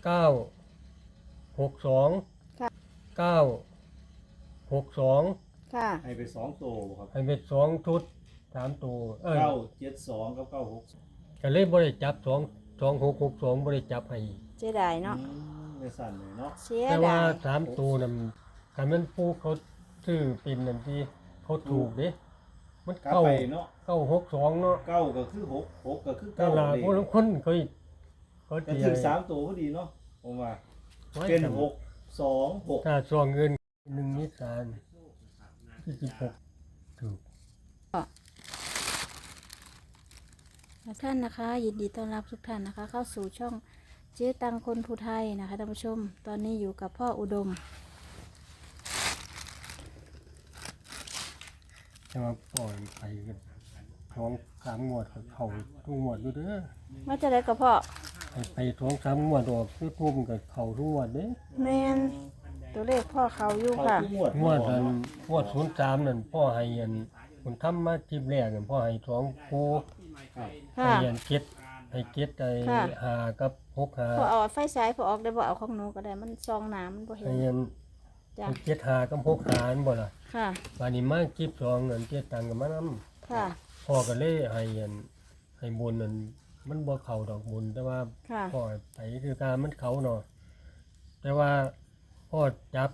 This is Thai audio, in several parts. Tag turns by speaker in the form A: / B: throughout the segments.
A: 962
B: ค่ะ
A: 962
B: ค่ะ
C: ให้ไปสองตัวครับ
A: ให้เป็น2ชุด3ตัว
C: 972กับ
A: ก็เลยบ่ได้จับ2662บ่ได้จับให้
B: เสียดายเนาะ
C: ในสั่นเลยเนาะ
B: เสีย
A: แต่ว่า
B: ดาย
A: 3ตัวนั้นคันแม่นผู้เขาซื้อเป็นนั่นที่เขาถูกเด้มัน
C: กลับ
A: เข้า
C: ไปเนาะ
A: 962เนาะ
C: เก้าก็คือหกหกก็คือ
A: แต่
C: เก้า
A: ละ
C: เลย
A: ผู้ลางคนเขา
C: ก็
A: สิ
C: ถึงสามตัวพอดีเนาะผมว่า
A: ไว้
C: เป็น
A: กัน
C: 626
A: ถ้าซองเงิน1นิสาน26ถูก
B: ท่านนะคะ ยินดีต้อนรับทุกท่านนะคะ เข้าสู่ช่องเจ๊ตังคนภูไทยนะคะท่านผู้ชม ตอนนี้อยู่กับพ่ออุดม
A: แต่ว่าปล่อยไปกัน2-3งวดก็เข้าทุกงวดอยู่เด้อ
B: ว่าจะได้กับพ่อ
A: ให้ไป2-3งวดออกคือทุ่มก็เข้าทุกงวดเด้
B: แมนตัวเลขพ่อเขาอยู่
C: เขา
B: ค่ะ
C: ทุกงวด
A: งวดนั้นงวด03นั่นพ่อให้อันคุณทำมาคลิปแรกนั่นพ่อให้2คู่
C: ครับ
A: ให้
B: ค่ะ
A: อันเก็ดให้เก็ดไอ้
B: ค่ะ
A: 5กับ6
B: พอเอาไฟฉายพอออกได้บ่เอาของหนูก็ได้มันซองน้ำมันบ่เห็น
A: ให้อัน
B: จ้ะ
A: ให้เก็ด5กับ6นั่นบ่ล่ะ
B: ค่ะ
A: บัดนี้มาคลิป2นั่นเก็ดตังค์ก็มานำ
B: ค่ะ
A: พ่อก็เลยให้อันให้บุญนั่นมันบ่เข้าดอกบุญแต่ว่า
B: ค่ะ
A: พ่อไปคือการมันเข้าเนาะแต่ว่าพ่อจับ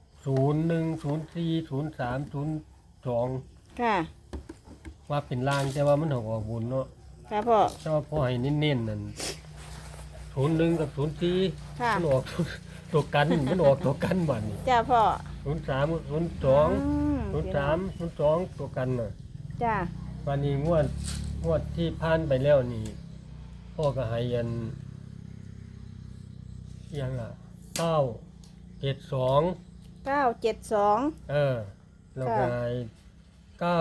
A: 01040302
B: ค่ะ
A: ว่าเป็นลางแต่ว่ามันออกบุญเนาะ
B: ค่ะพ่อ
A: แต่ว่าพ่อให้เน้นๆนั่น01กับ04
B: ค่ะ
A: มันออก ตัวกันมันออกตัวกันบัดนี้
B: จ้าพ่อ
A: 03 02
B: อืม
A: 03 02ตัวกันน่ะ
B: จ้า
A: วันนี้งวดที่ผ่านไปแล้วนี่พ่อก็ให้อันอิหยังล่ะ972
B: 972
A: แล้วก็ให้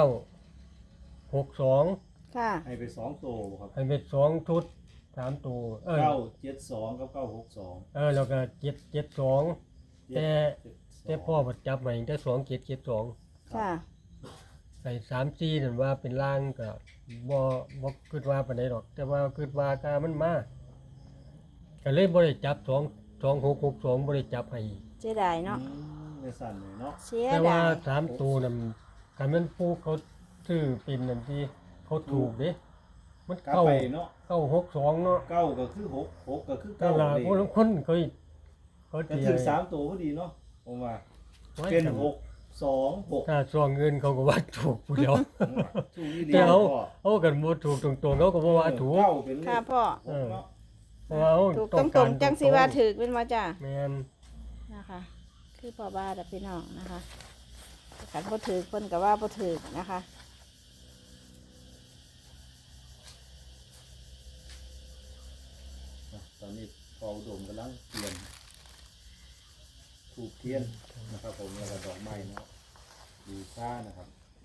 A: 962
B: ค่ะ
C: ให้ไปสองตัวครับ
A: ให้เป็น2ชุด3ตัว
C: 972กับ962
A: แล้วก็772แต่พ่อบ่จับไว้แต่2772
B: ค่ะ
A: ใส่3-4นั่นว่าเป็นล่างก็บ่คิดว่าปานใดดอก แต่ว่าคิดว่ากามันมาก็เลยบ่ได้จับ2662บ่ได้จับให้
B: เสียดายเนาะ
C: ในสั่นเลยเนาะ
B: เสีย
A: แต่ว่า
B: ดาย
A: 3ตัวนั่นคันแม่นผู้เขาซื้อเป็นนั่นที่เขาถูกเด้มัน
C: กลับ
A: เข้า
C: ไปเนาะ
A: 962เนาะ
C: เก้าก็คือหกหกก็คือ
A: แต่
C: เก้า
A: ละ
C: เลย
A: ผู้ลางคนเขา
C: ก็
A: สิ
C: ถึงสามตัวพอดีเนาะผมว่า
A: ไว้
C: เป็น
A: กัน
C: 626
A: ถ้าซองเงินเขาก็ว่าถูกผู้เดียว
C: ถูกอีหลี
A: แต่เอา
C: พ่อ
A: เอากันบ่ถูกตรงๆเขาก็บ่ว่าถูก
C: เก้าเป็นเลข
B: ค่ะพ่อ
C: หกเนาะ
A: เพราะว่าเอา
B: ถูก
A: ต้อง
B: ต
A: กา
B: ร
A: รง
B: ๆจังสิว่าถือเป็นว่าจ้า
A: แม่น
B: นะคะ คือพ่อบ้านแต่พี่น้องนะคะขันบ่ถือคนกับว่าบ่ถือนะคะ
C: ตอนนี้พออุดมกำลังเตรียมถูกเทียนนะครับผมแล้วก็ดอกไม้เนาะดูซ่านะครับ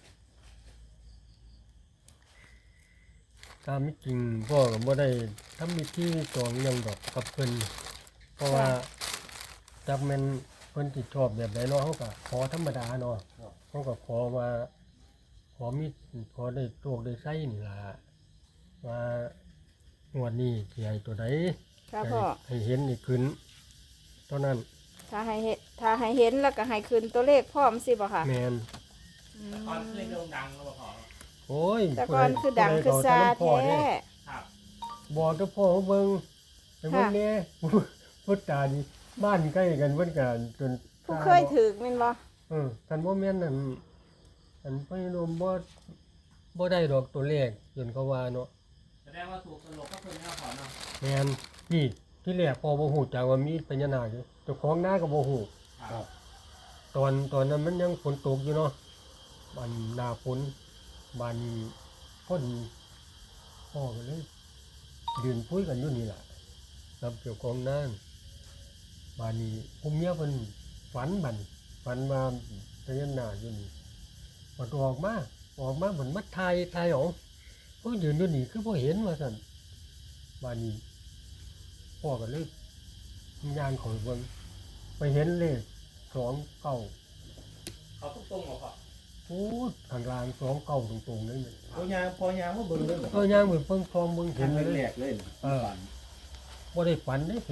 A: ตามที่จริงพ่อก็บ่ได้ทำพิธีตองหยังดอกกับเพิ่นเพราะว่าจักแม่นเพิ่นสิชอบแบบใดเนาะเฮาก็ขอธรรมดาเนาะเฮาก็ขอว่าขอได้โชคได้ไสนี่ล่ะว่างวดนี้สิให้ตัวใด
B: ค่ะพ่อ
A: ให้เห็นนี่ขึ้นเท่านั้น
B: ถ้าให้เห็นแล้วก็ให้คืนตัวเลขพร้อมสิบ่ค่ะ
A: แม่น
B: อืม
D: ตอนเพลงโด่งดังแล้วบ่พอ
A: โอ้ย
B: แต่ก่อนคือดังคือซา
A: พ่อ
B: แท้
A: เด้
D: ครับ
A: บอกกับพ่อเบิ่งไปเบิ่งแหน่ พุทธานี่บ้านใกล้กันเพิ่นก็จน
B: ผู้เคยถือแม่นบ่
A: กันบ่แม่นนั่นอันพ่อโยมบ่ได้ดอกตัวเลขจนเขาว่าเนาะ
D: แสดงว่าถูกตลกก็เพิ่นแล้วพอเนาะ
A: แม่นนี่ที่แรกพ่อบ่ฮู้จักว่ามีพญานาคอยู่เจ้าของนาก็บ่ฮู้
D: ครับ
A: ตอนนั้นมันยังฝนตกอยู่เนาะบ้านหน้าฝนบ้านนี้พอดีพ่อก็เลยยืนคุยกันอยู่นี่ล่ะกับเจ้าของนาบ้านนี้ผู้เมียเพิ่นฝันว่าพญานาคอยู่นี่พอออกมาเหมือนมาถ่ายออกก็ยืนอยู่นี่คือบ่เห็นว่าซั่นบ้านนี้พ่อก็เลยย่างเข้าไปเบิ่งไปเห็นเลข29
D: เขาตรงๆบ่พอ
A: พูดข้างล่าง29ตรงๆเลยเนี่ย
C: พอยางมาเบิ่งเลยเหรอ
A: ก็ย่างเหมือนเพิ่งพร้อมเบิ่ง
C: เห็
A: เห็
C: น
A: นเลย
C: แรกเลยนะฝัน
A: บ่ได้ฝันได้เห็น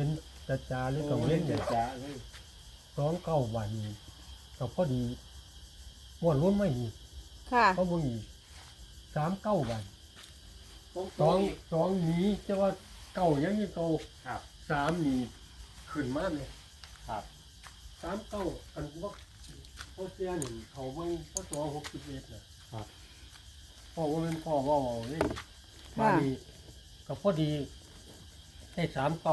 A: จ่าหรือกังเว้นเนี่ย
C: จ้าเลย
A: 29วันนี้ก็พอดีม่วนรุ่นไม่อีก
B: ค่ะ
A: เพราะมึงอีก39วัน
D: ตรง
A: สองสองหนี้จะว่าเก่ายังนี่เก่า
D: ครับ
A: 3นี่ขึ้นมาเลย
D: ครับ
A: 39อันว่าพ่อเสียนี่เขาเบิ่งพ่อตัว61น่ะ
D: ครับ
A: พ่อว่าเป็นพ่อเว้าเอาเลยมานี่ก็พอดีได้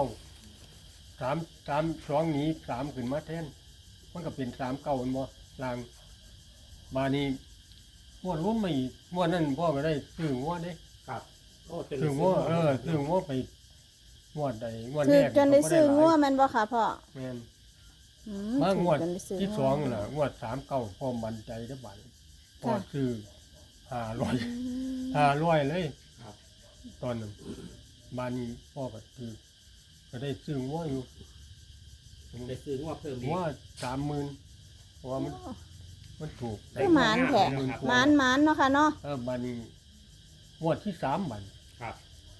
A: 3 หนี้3ขึ้นมาแทนมันก็เป็น39แม่นบ่ลางมานี่ม่วนรุ่นไม่อีกม่วนนั้นพ่อก็ได้ซื้องัวเด้
D: ครับโอ้จน
A: ซื้องัวซื้องัวไปงวดใดงวด
B: คื
A: แร
B: อก จนได้ซื้องัว
A: ก็บ่
B: แม่นบ่ค่ะพ่อ
A: หลายแม่น
B: อื
A: มางวด
B: จนไซื้
A: ที่
B: งัว
A: สองน่ะงวด39พ่อมั่นใจได้อบัดพ่อซื้อ500เลย
D: ครับ
A: ตอนนั้นบ้านนี้พ่อก็ซื้อก็ได้ซื้องัวอยู่
D: ผมได้ซื้องวดเพิ่มอี
A: งั
D: ก
A: ว30,000เพราะว่ามันถูก
B: คือหมานแท้
D: ครับ
B: หมานเนาะค่ะเนาะ
A: บ้านนี้งวดที่3บัด
D: ครับ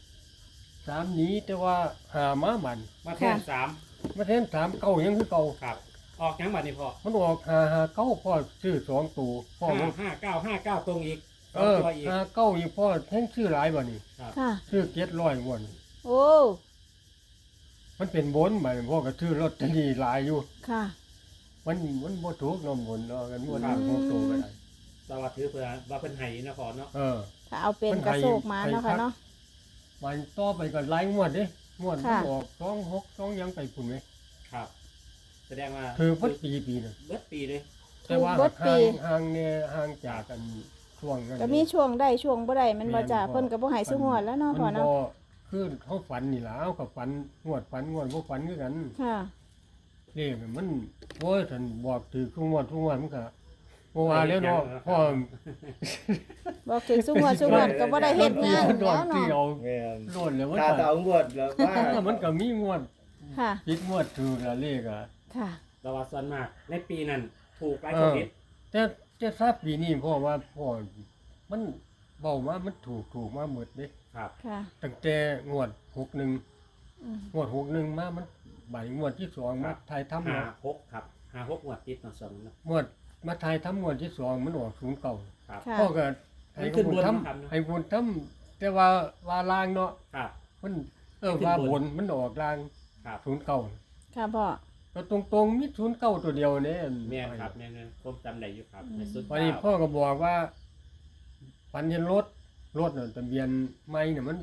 A: 3นี้แต่ว่าหามาบัด
D: มาแทน
B: ค่ะ
A: มาแทน3เก่ายังคือเก่า
D: ครับ ออกยังบัดนี้พ่อ
A: มันออก559พ่อซื้อ2ตัวพ่อว่า
D: 5959ตรงอีกส
A: เอ
D: อง
A: อ
D: ตัวอีก
A: 59อีกพ่อแท่งซื้อหลายบ่นี่
B: ค่ะ
A: ซื้อ700งวด
B: โอ้
A: มันเป็นบนบัดนี้พ่อก็ซื้อลอตเตอรี่หลายอยู่
B: ค่ะ
A: มันบ่ถูกเนาะบนเนาะกันบ่
D: ครั
A: ถู
D: บ
A: กตัวก็ได้
D: เราว่าถือเพื่อว่าเพิ่นให้นะพ่อเนาะ
A: เออ
B: ถ้าเอาเป็น
A: มัน
B: กระ
A: ให้
B: โศกหมานเนาะค่ะเนาะ
A: มันต่อไปก็หลายงวดเด้งวดมัน
B: ค่ะ
A: ออก26 2ยังไปพุ่นไหม
D: ครับ แสดงว่า
A: คือเพิ่นปีนึง
D: เบิดปีเลย
A: แต่ว่า
B: เบิดปี
A: ห่างเนี่ยห่างจากกันช่วงนั้น
B: ก็มีช่วงได้ช่วงบ่ได้แมันบ่จ้าเพิ่นก็บ่ให้ซุงวดแล้วเนาะพ่อ
A: มัน
B: เนาะ
A: บ่คือเขาฝันนี่ล่ะเอากับฝันงวดบ่ฝันคือกัน
B: ค่ะ
A: เลขมันโอ้ยท่านบอกถือทุกงวดมันก็บ่ว่าแล้วเนาะพ่อ
B: บอกถึงซุงวดก็บ่ได้เฮ็ดงาน
A: มันดอ
B: แล้
A: ก
B: ว
A: ที่
B: เนาะ
A: เอา
C: แม่น
A: โดนแล้วมัน
C: ถ้า
A: ก็
C: เอางวดแล้วว่า
A: มันก็มีงวด
B: ค่ะ
A: ผิดงวดถูกละเลขอ่ะ
B: ค่ะ
D: เราว่าส่วนมากในปีนั้นถูกหลาย
A: เอ
D: คน
A: อ
D: ผิด
A: แต่ทราบปีนี้พ่อว่าพ่อมันเว้ามามันถูกมาหมดเด้
D: ครับ
B: ค่ะ
A: ตั้งแต่งวด61
B: อืม
A: งวด61มามันบ่ายงวดที่สองมาถ่ายทำ
D: 56ครับ56งวดติดเนาะสองเนาะ
A: งวดมาถ่ายทำงวดที่สองมันออก09
D: ครับ
B: ค่ะ
A: พ่อก็
D: มั
A: ให้
D: นขึ้น
A: คน
D: บน
A: ท
D: ครับเนอะ
A: ำให้คนทำแต่ว่าลางเนาะ
D: ครับ
A: มัน
D: ขึ้น
A: ว่า
D: บน
A: บนมันออกลาง
D: ครับ
A: 09
B: ค่ะพ่อ
A: ก็ตรงๆมี09ตัวเดียวเนี่ย
D: แม่นครับแม่นผมจำได้อยู่ครับในสุด
A: วันนี้พ่อก็บอกว่าปันเห็นรถน่ะทะเบียนไม่เนี่ยมัน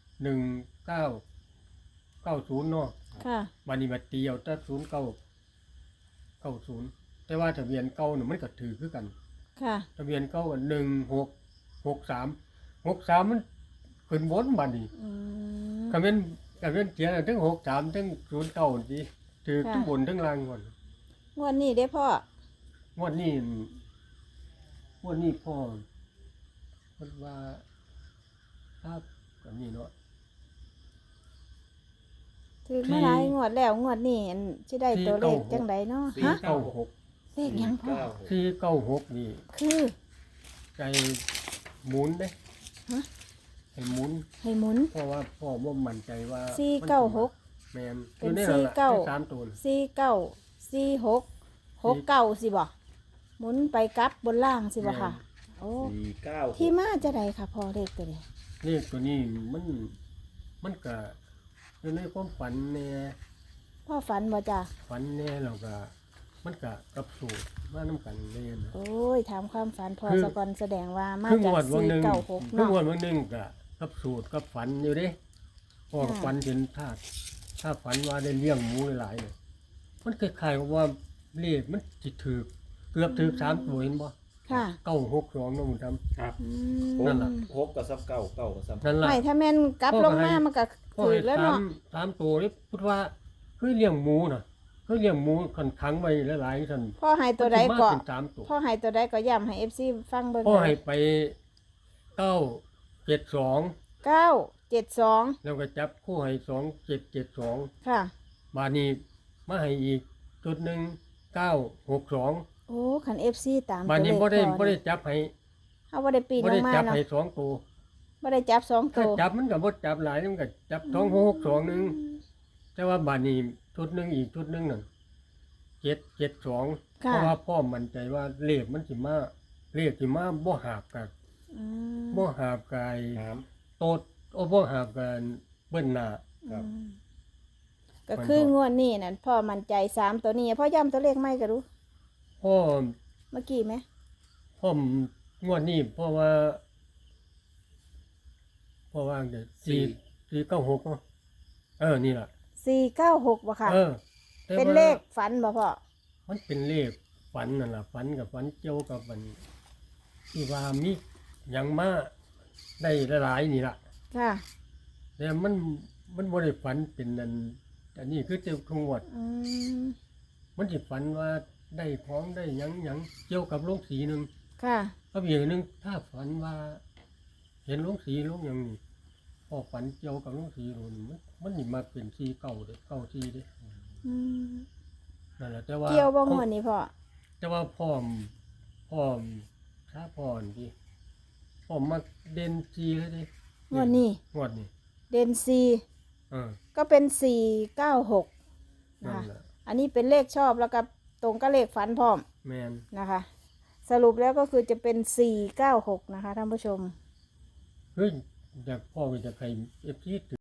A: 1990เนาะ
B: ค่ะ
A: วันนี้มาเตียวแต่0990แต่ว่าทะเบียนเก่าเนี่ยมันก็ถือคือกัน
B: ค่ะ
A: ทะเบียนเก่าก็1663มันขึ้นบนบัดนี้
B: อืม
A: ก็เป็นเขียนอะทั้ง63ทั้ง09สิถือทั้งบนทั้งล่างก่อน
B: งวดนี้เด้พ่อง
A: วดนี้พ่อเพิ่นว่าครับก็นี่เนาะ
B: ถือมาหลายงวดแล้วงวดนี้อันสิได้ตัวเลขจังไดเนาะฮะ
A: 496
B: เลขหยังพ่อ
A: 496นี่
B: คือ
A: ใจหมุนเด้
B: ฮะ
A: ให้หมุน
B: ให้หมุน
A: เพราะว่าพ่อบ่มั่นใจว่า
B: 496
A: แม่น
B: เป็น
A: อยู่ในั่นล่ะ
B: 49
A: ใน3ตัวน่ะ
B: 49 46 69สิบ่หมุนไปกลับบนล่างสิบ่ค่ะ โอ้
C: 49
B: ที่มาจะใดค่ะพอเลขตัวนี้
A: เลขตัวนี้มันก็อยู่ในความฝันแน่
B: พ่อฝันบ่จ้ะ
A: ฝันแน่แล้วก็มันก็กับสูตรมานํกันแน่นะ
B: โอ้ยถามความฝันพอ
A: คือ
B: สะก่อนแสดงว่ามา
A: ครึ่ง
B: จาก
A: งวดวันหนึ่ง
B: 496
A: ครึ่ง
B: เนาะ
A: งวดวันหนึ่งก็กับสูตรกับฝันอยู่เด้พ่อกับ
B: ค่ะ
A: ฝันเห็นถ้าฝันว่าได้เลี้ยงหมูหลายๆเนี่ยมันคล้ายๆกับว่าเลขมันสิถือเกือบถือ3ตัวเห็นบ่
B: ค่ะ
A: 962เนาะหมึงทำ
D: ครับ
B: อื
A: นั่นล่ะ
B: ม
C: 6กับซ้ำเก้าเก้ากับซ้ำ
A: นั่นล่ะ
B: ไม่ถ้าแม่นกลับ
A: พ่อ
B: ล
A: ก็
B: ง
A: ให้
B: มามันก็
A: พ่อ
B: ถื
A: ให้
B: อแล้วเนาะ
A: สามตัวนี่พูดว่าคือเลี้ยงหมูน่ะคือเลี้ยงหมูขังไว้หลายๆซั่น
B: พ่อให้ตัวใด
A: มัน
B: ก็
A: สิมาเป็น3ตัว
B: พ่อให้ตัวใดก็ย้ำให้ FC ฟังเบิ่ง
A: พ่อ
B: หน่อ
A: ให้
B: ย
A: ไป972
B: 972
A: แล้วก็จับคู่ให้2772
B: ค่ะ
A: บาดนี้มาให้อีกจุดหนึ่ง962
B: โอ้คัน FC ตาม
A: บาด
B: ตัว
A: นี้
B: เลข
A: บ่ได้
B: พ่อ
A: บ่ได้
B: นี่
A: จับให้
B: เฮาบ่ได้ปีน
A: บ่
B: ล
A: ได้
B: งมา
A: จับ
B: เนาะ
A: ให้2ตัว
B: บ่ได้จับ2
A: ถ้า
B: ตัว
A: จับมันก็บ่จับหลายมันก็จับ2662นึงแต่ว่าบาดนี้ชุดหนึ่งอีกชุดหนึ่งนั่น772เพ
B: ค่ะ
A: ราะว่าพ่อมั่นใจว่าเลขมันสิมาเลขสิมาบ่หาบกับ
B: อืม
A: บ่หาบกาย
C: น้
A: โตดโอ้บ่หาบกันเบิ้นหน้า
C: ครับ
B: อืมก็คืองวดนี้นั่นพ่อมั่นใจ3ตัวนี้พ่อย้ำตัวเลขไม่ก็รู้
A: พ่อ
B: เมื่อกี้ไหม
A: พ่องวดนี้เพราะว่าเดี๋ยว496เนาะนี่ล่ะ
B: 496บ่ค่ะ
A: แต่
B: เป็น
A: ว่า
B: เลขฝันบ่พ่อ
A: มันเป็นเลขฝันนั่นล่ะฝันกับฝันเกี่ยวกับมันที่ว่ามีหยังมาได้หลายๆนี่ล่ะ
B: ค่ะ
A: แต่มันบ่ได้ฝันเป็นอันนี้คือเจ้าขงวด
B: อืม
A: มันสิฝันว่าได้ของได้หยังเกี่ยวกับโรงสีหนึง
B: ค่ะ
A: ก็อีกหนึงถ้าฝันว่า เห็นโรงสีโรงหยังนี่พอฝันเกี่ยวกับโรงสีโรงนี่มันนี่มาเป็นสีเก่าเด้เก่าสีเด้
B: อืม
A: นั่นแหละแต่ว่า
B: เกี่ยวบ่งวดนี้พ่อ
A: แต่ว่าพร้อมถ้าพรดิพร้อมมาเด่นสีเลยดิ
B: งวดนี้
A: งวดนี้
B: เด่น4
A: เออ
B: ก็เป็น496นะ
A: นั่น
B: คะ
A: แหละ
B: อันนี้เป็นเลขชอบแล้วก็ตรงกับเลขฝันพร้อม
A: แมน
B: นะคะ สรุปแล้วก็คือจะเป็น496นะคะท่านผู้ชม
A: เฮ้ยอยากพ่อก็จะใครเอฟซี